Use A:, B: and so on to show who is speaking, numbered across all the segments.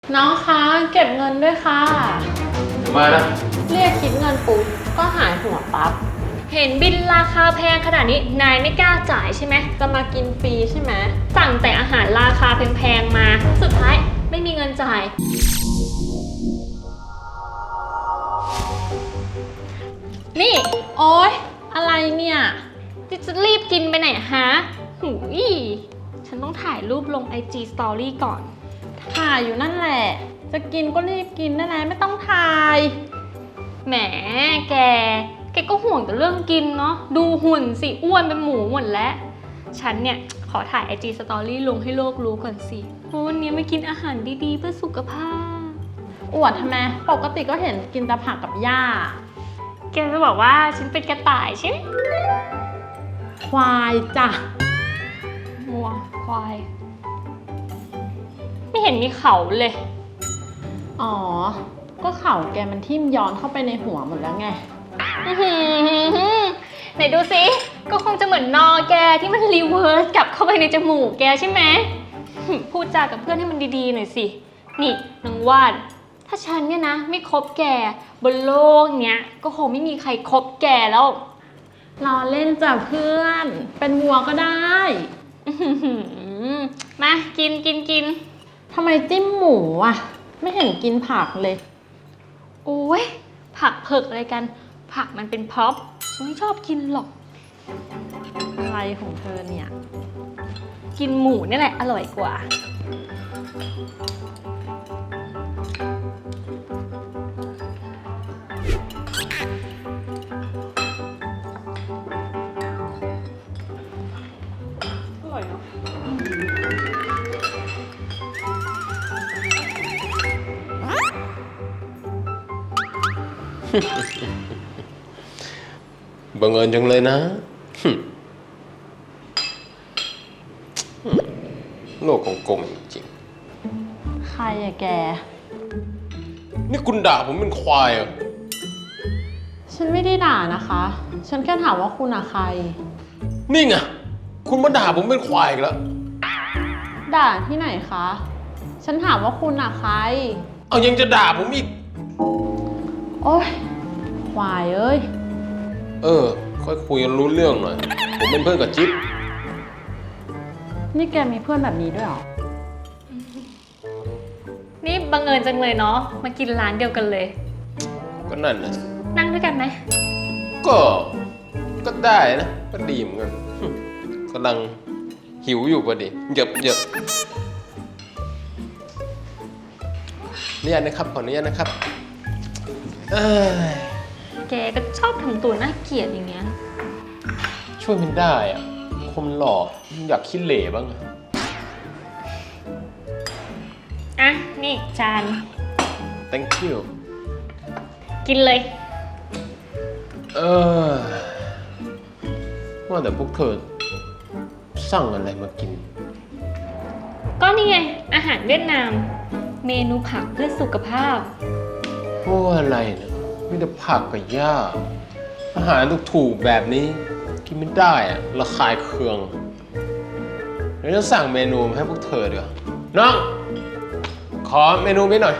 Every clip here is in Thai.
A: น้องคะเก็บเงินด้วยค่ะ
B: เดี๋ยวมานะ
A: เรียกคิดเงินปุ๊บก็หายหัวปั๊บ
C: เห็นบินราคาแพงขนาดนี้นายไม่กล้าจ่ายใช่ไหม
A: จะมากินฟรีใช่ไหม
C: สั่งแต่อาหารราคาแพงๆมาสุดท้ายไม่มีเงินจ่ายนี่
A: โอ๊ยอะไรเนี่ย
C: จะรีบกินไปไหนฮะหูยฉันต้องถ่ายรูปลง IG Story ก่อน
A: ถ่ายอยู่นั่นแหละจะกินก็รีบกินนั่นแหละไม่ต้องถ่าย
C: แหมแกก็ห่วงแต่เรื่องกินเนาะดูหุ่นสิอ้วนเป็นหมูหมดแล้วฉันเนี่ยขอถ่าย IG Story ลงให้โลกรู้ก่อนสิเพราะวันนี้ไม่กินอาหารดีๆเพื่อสุขภาพ
A: อวดทำไมปกติก็เห็นกินแต่ผักกับหญ้า
C: แกจะบอกว่าฉันเป็นกระต่ายใช่ไหม
A: ควายจ้ะ
C: วัวควายไม่เห็นมีเขาเลย
A: อ๋อก็เข่าแกมันทิ่มย้อนเข้าไปในหัวหมดแล้วไง
C: ไหนดูสิก็คงจะเหมือนนอแกที่มันรีเวิร์สกลับเข้าไปในจมูกแกใช่ไหมพูดจากับเพื่อนให้มันดีๆหน่อยสินี่นางวาดถ้าฉันเนี่ยนะไม่คบแกบนโลกเนี้ยก็คงไม่มีใครคบแกแล้ว
A: เราเล่นจ้ะเพื่อนเป็นวัวก็ได้
C: มากิน
A: ทำไมจิ้มหมูอ่ะไม่เห็นกินผักเลย
C: โอ้ยผักเผือกอะไรกันผักมันเป็นพ็อปฉันไม่ชอบกินหรอก
A: อะไรของเธอเนี่ย
C: กินหมูนี่แหละอร่อยกว่า
A: อร่อยเนาะ
B: บังเอิญจังเลยนะโลกของกงจริง
A: ใครอะแก
B: นี่คุณด่าผมเป็นควายเหรอ
A: ฉันไม่ได้ด่านะคะฉันแค่ถามว่าคุณอะใคร
B: นี่ไงคุณมาด่าผมเป็นควายอีกแล้ว
A: ด่าที่ไหนคะฉันถามว่าคุณอะใคร
B: เอายังจะด่าผมอีก
A: โอ๊ยควายเอ้ย
B: ค่อยคุยกันรู้เรื่องหน่อยผมเป็นเพื่อนกับจิ๊บ
A: นี่แกมีเพื่อนแบบนี้ด้วยเหรอ
C: นี่บังเอิญจังเลยเนาะมากินร้านเดียวกันเลย
B: ก็นั่นนะ
C: นั่งด้วยกันไหม
B: ก็ได้นะก็ดีเหมือนกันกำลังหิวอยู่พอดีเหยียบนี่นะครับขออนุญาตนะครับ
C: แกก็ชอบทำตัวน่าเกลียดอย่างเงี้ย
B: ช่วยมันได้อ่ะคนหล่ออยากขี้เหร่บ้าง
C: อ่ะนี่จาน
B: thank you
C: กินเลย
B: ว่าแต่พวกเธอสั่งอะไรมากิน
C: ก็นี่ไงอาหารเวียดนามเมนูผักเพื่อสุขภาพ
B: พวกอะไรเนี่ยมีแต่ผักกับหญ้าอาหารถูกๆแบบนี้กินไม่ได้อะระคายเคืองเดี๋ยวจะสั่งเมนูให้พวกเธอดีกว่าน้องขอเมนูไปหน่อย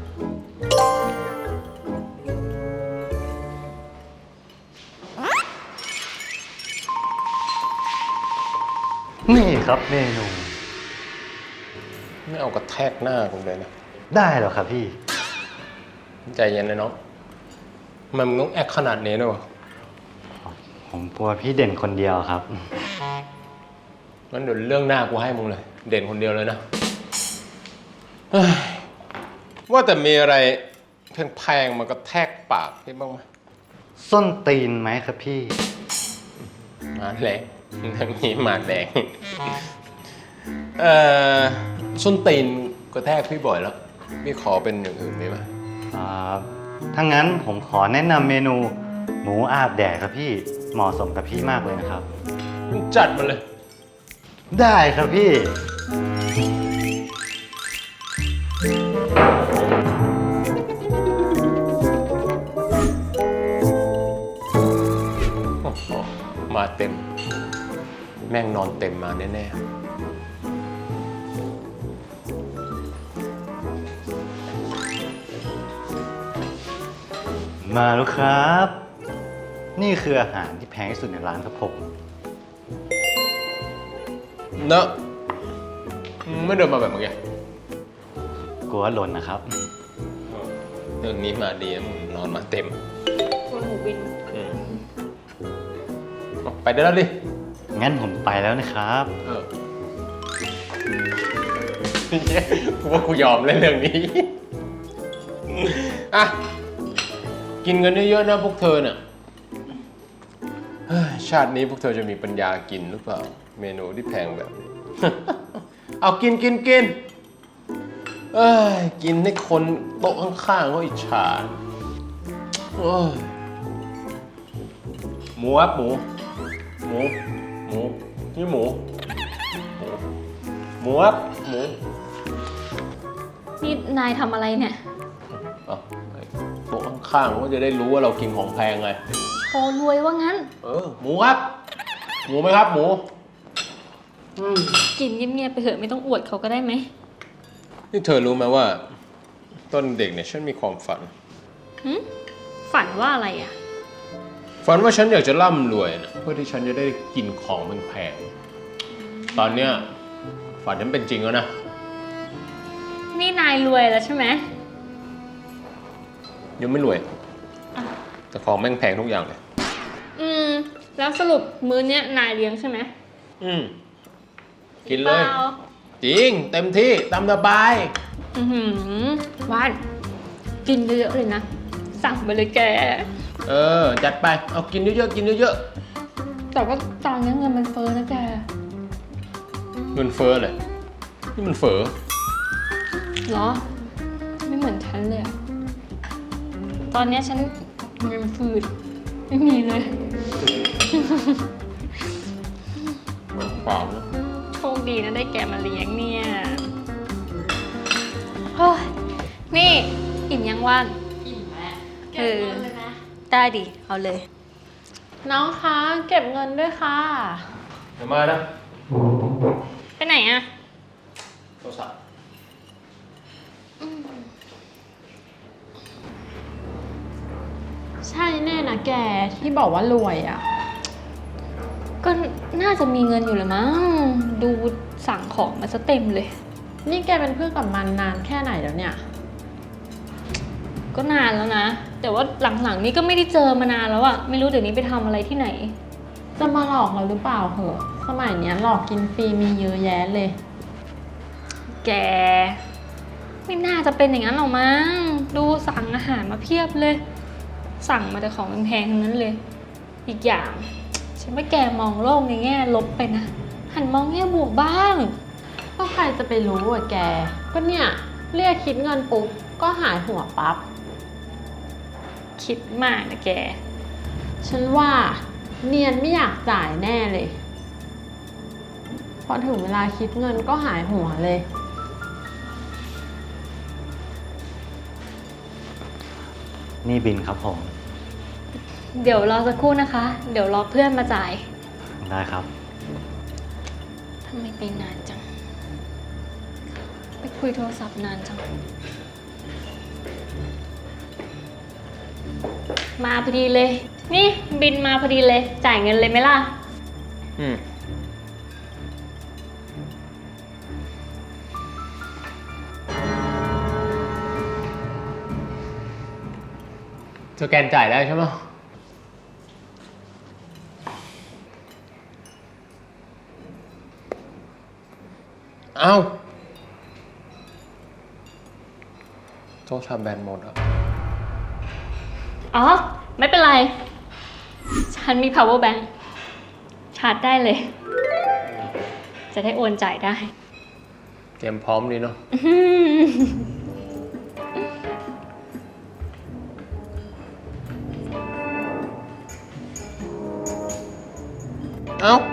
D: นี่ครับเมนู
B: ไม่เอากระแทกหน้าผมเลยนะ
D: ได้หรอครับพี่
B: ใจเย็นเลยน้องมันต้องแอคขนาดนี้ด้วยวะ
D: ผมกลัวพี่เด่นคนเดียวครับ
B: งั้นเดี๋ยวเรื่องหน้ากูให้มึงเลยเด่นคนเดียวเลยนะว่าแต่มีอะไรแพงๆมากระแทกปากพี่บ้างไหม
D: ส้นตีนไหมครับพี่
B: มาแดงทั้งนี้มาแดงส้นตีนกระแทกพี่บ่อยแล้วพี่ขอเป็นอย่างอื่นได้ไหม
D: ถ้างั้นผมขอแนะนำเมนูหมูอาบแดดครับพี่เหมาะสมกับพี่มากเลยนะครับ
B: จัดมาเลย
D: ได้ครับพี่
B: มาเต็มแม่งนอนเต็มมาแน่ๆ
D: มาแล้วครับ นี่คืออาหารที่แพงที่สุดในร้านครับผม
B: เนอะไม่เดินมาแบบเมื่อกี้
D: กลัวหล่นนะครับ
B: เรื่องนี้มาดีนะมึงนอนมาเต็ม
C: ตัวหมูบิน
B: เอาไปได้แล้วดิ
D: งั้นผมไปแล้วนะครับ
B: เออกูว่ากูยอมเล่นเรื่องนี้ อ่ะ กินกันเยอะๆนะพวกเธอเนี่ยเฮ้ยชาตินี้พวกเธอจะมีปัญญากินหรือเปล่า เมนูที่แพงแบบนี้ เอากินเอ้ยกินให้คนโต๊ะข้างๆเขาอิจฉาโอ้ยหมูครับหมูนี่หมูครับหมู
C: นี่นายทำอะไรเนี่ย
B: เอาไอ้โต๊ะข้างๆเขาจะได้รู้ว่าเรากินของแพงไง
C: โชว์รวยว่างั้น
B: หมูครับ หมูไหมครับหมู
C: กินเงียบๆไปเถอะไม่ต้องอวดเขาก็ได้ไหม
B: นี่เธอรู้ไหมว่าตอนเด็กเนี่ยฉันมีความฝัน
C: ฝันว่าอะไรอ่ะ
B: ฝันว่าฉันอยากจะร่ำรวยนะเพื่อที่ฉันจะได้กินของแพงๆตอนเนี้ยฝันฉันเป็นจริงแล้วนะ
C: นี่นายรวยแล้วใช่ไหม
B: ยังไม่รวย แต่ของแม่งแพงทุกอย่างเลย
C: แล้วสรุปมื้อเนี้ยนายเลี้ยงใช่ไหม
B: กินเลย
C: ปา
B: จริง เต็มที่ตามสบาย
C: วานกินเยอะๆเลยนะ สั่งไปเลยแก
B: จัดไป เอากินเยอะๆกินเยอะ
C: แต่ว่าตอนนี้เงินมันเฟ้อนะแก
B: ๆเงินเฟ้อเลยนี่มันเฟ้อ
C: เหรอ ไม่เหมือนฉันเลยอะตอนเนี้ยฉันเงินฟืดไม่มีเลย
B: เปล่านะ
C: โชคดีนะได้แกมาเลี้ยงเนี่ยโอ้ยนี่อิ่มยังว่าน
A: อิ่มแล้ว
C: เออได้ดิ เอาเลย
A: น้องคะเก็บเงินด้วยค่ะ
B: เดี๋ยวมานะ
C: ไปไหนอะ
B: โทรศัพท์
A: ใช่แน่นะแกที่บอกว่ารวยอ่ะ
C: ก็น่าจะมีเงินอยู่แหละมั้ง ดูสั่งของมาซะเต็มเลย
A: นี่แกเป็นเพื่อนกับมันนานแค่ไหนแล้วเนี่ย
C: ก็นานแล้วนะ แต่ว่าหลังๆนี้ก็ไม่ได้เจอมานานแล้วอะไม่รู้เดี๋ยวนี้ไปทำอะไรที่ไหน
A: จะมาหลอกเราหรือเปล่าเหอะสมัยเนี้ยหลอกกินฟรีมีเยอะแยะเลย
C: แก ไม่น่าจะเป็นอย่างนั้นหรอกมั้ง ดูสั่งอาหารมาเพียบเลย สั่งมาแต่ของแพงๆทั้งนั้นเลย อีกอย่าง ฉันว่าแกมองโลกในแง่ลบไปนะ หันมองแง่บวกบ้าง
A: ก็ใครจะไปรู้อ่ะแก ก็เนี่ยเรียกคิดเงินปุ๊บก็หายหัวปั๊บ
C: คิดมากนะแก
A: ฉันว่าเนียนไม่อยากจ่ายแน่เลย พอถึงเวลาคิดเงินก็หายหัวเลย
D: นี่บินครับผม
C: เดี๋ยวรอสักครู่นะคะ เดี๋ยวรอเพื่อนมาจ่าย
D: ได้ครับ
C: ทำไมไปนานจัง ไปคุยโทรศัพท์นานจัง มาพอดีเลย นี่บินมาพอดีเลย จ่ายเงินเลยไหมล่ะ
B: สแกนจ่ายได้ใช่ไหมเอ้าโทรศัพท์แบนหมดอ่ะ
C: อ๋อ ไม่เป็นไร ฉันมี power bank ชาร์จได้เลย จะได้โอนจ่ายได้
B: เตรียมพร้อมดีเนาะ เอ้า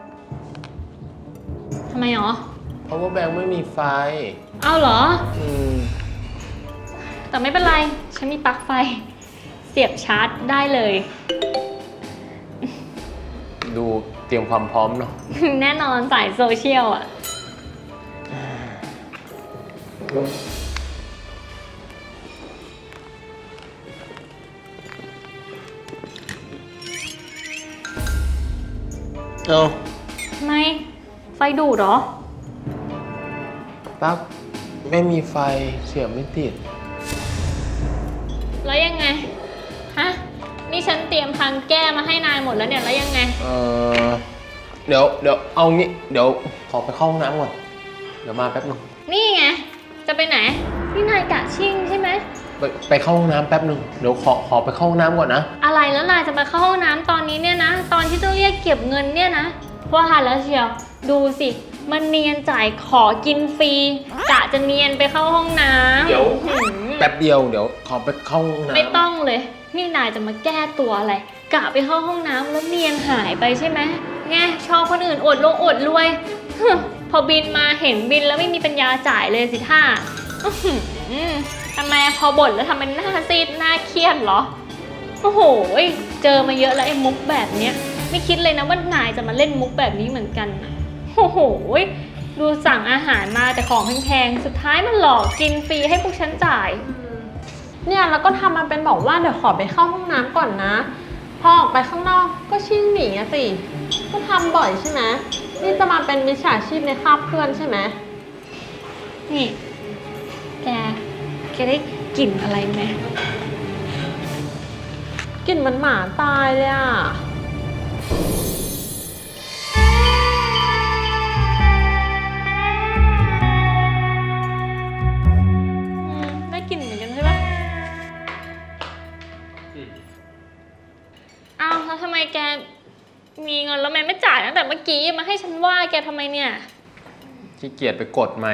C: ทำไมหรอ
B: power bank ไม่มีไฟ
C: เอ้าเหรอ
B: อืม
C: แต่ไม่เป็นไร ฉันมีปลั๊กไฟ เสียบชาร์จได้เลย
B: ดูเตรียมความพร้อมเนาะ
C: แน่นอนสายโซเชียลอ่ะ
B: เอา
C: ทำไม ไฟดูดเหรอ
B: ปั๊บไม่มีไฟเสียบไม่ติด
C: แล้วยังไง ฮะ นี่ฉันเตรียมทางแก้มาให้นายหมดแล้วเนี่ย แล้วยังไง
B: เดี๋ยวเอางี้ เดี๋ยวขอไปเข้าห้องน้ำก่อน เดี๋ยวมาแป๊บนึง
C: นี่ไง จะไปไหน นี่นายกะชิ่งใช่ไหม
B: ไปเข้าห้องน้ำแป๊บนึง เดี๋ยวขอไปเข้าห้องน้ำก่อนนะ
C: อะไรแล้วนายจะไปเข้าห้องน้ำตอนนี้เนี่ยนะ ตอนที่ต้องเรียกเก็บเงินเนี่ยนะว่าแล้วเชียว ดูสิ มันเนียนจ่ายขอกินฟรีกะจะเนียนไปเข้าห้องน้ำ
B: เดี๋ยว
C: หืม
B: แป๊บเดียว เดี๋ยวขอไปเข้าห้องน้ำ
C: ไม่ต้องเลย นี่นายจะมาแก้ตัวอะไร กะไปเข้าห้องน้ำแล้วเนียนหายไปใช่ไหมไงชอบคนอื่นอดลงอดรวยฮึพอบินมาเห็นบินแล้วไม่มีปัญญาจ่ายเลยสิท่าอื้อหือทำไมพอบ่นแล้วทำเป็นหน้าซีดหน้าเครียดเหรอ โอ้โห เจอมาเยอะแล้วไอ้มุกแบบเนี้ย ไม่คิดเลยนะว่านายจะมาเล่นมุกแบบนี้เหมือนกันนะโอ้โห ดูสั่งอาหารมาแต่ของแพงๆ สุดท้ายมันหลอกกินฟรีให้พวกฉันจ่าย
A: เนี่ยแล้วก็ทำมาเป็นบอกว่าเดี๋ยวขอไปเข้าห้องน้ำก่อนนะ พอออกไปข้างนอกก็ชิ่งหนีอะสิ ก็ทำบ่อยใช่ไหมนี่จะมาเป็นมิจฉาชีพในคราบเพื่อนใช่ไหม
C: นี่ แกได้กลิ่นอะไรไหม
A: กลิ่นมันหมาตายเลยอะ
C: ได้กลิ่นเหมือนกันใช่ปะอ้าวแล้วทำไมแกมีเงินแล้วแม่ไม่จ่ายตั้งแต่เมื่อกี้มาให้ฉันว่าแกทำไมเนี่ย
B: ขี้เกียจไปกดใหม่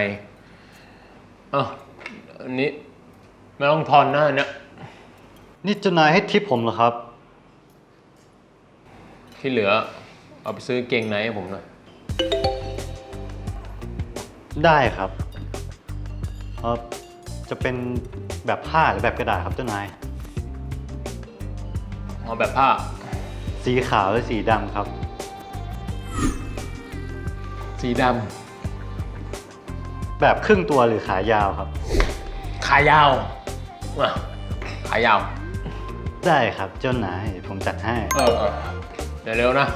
B: อันนี้ไม่ต้องทอนหน้าเนี่ย
D: นี่เจ้านายให้ทิปผมเหรอครับ
B: ที่เหลือ เอาไปซื้อเกงในให้ผมหน่อย
D: ได้ครับจะเป็นแบบผ้าหรือแบบกระดาษครับเจ้านาย
B: เอาแบบผ้า
D: สีขาวหรือสีดำครับ
B: สีด
D: แบบครึ่งตัวหรือขายาวครับ
B: ำ ขายาวอ่ะขายาว
D: ได้ครับเจ้านายผมจัดให้
B: เดี๋ยวเร็วนะ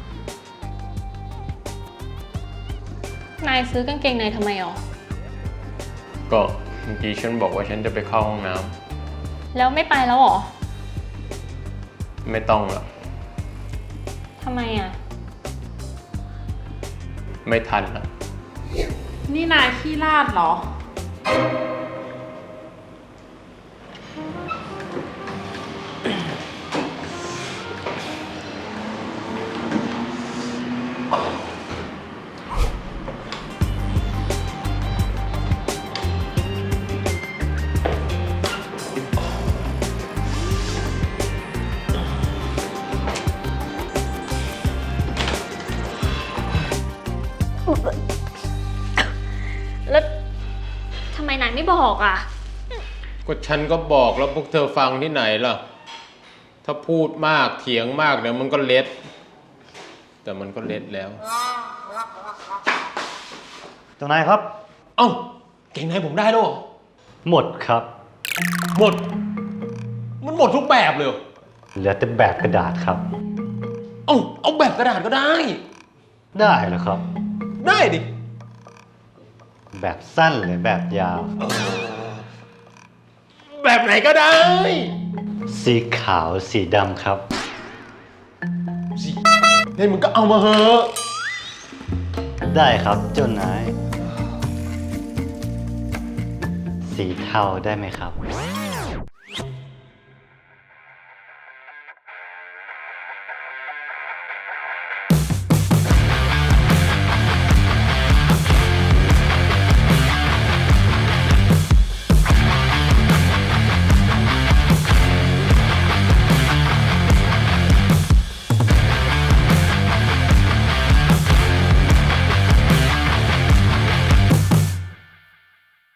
C: นายซื้อกางเกงในทำไมอ๋อ
B: ก็เมื่อกี้ฉันบอกว่าฉันจะไปเข้าห้องน้
C: แล้วไม่ไปแล้วเหรอ
B: ำไม่ต้องละ
C: ทำไมอ่ะ
B: ไม่ทันละ
A: นี่นายขี้ลาดเหรอ
C: แล้วทำไมนายไม่บอกอ่ะ
B: ก็ฉันก็บอกแล้วพวกเธอฟังที่ไหนล่ะ ถ้าพูดมากเถียงมากเดี๋ยวมันก็เล็ด แต่มันก็เล็ดแล้ว
D: เจ้านายครับ
B: เอ้า เกงในผมได้แล้วเหรอ
D: หมดครับ
B: หมด มันหมดทุกแบบเลยเหรอ
D: เหลือแต่แบบกระดาษครับ
B: เอาแบบกระดาษก็ได้
D: ได้เหรอครับ
B: ได้ดิ
D: แบบสั้นหรือแบบยาว
B: แบบไหนก็ได้
D: สีขาวสีดำครับ
B: สิเฮ้ยมึงก็เอามาเหอะ
D: ได้ครับเจ้านาย สีเทาได้ไหมครับ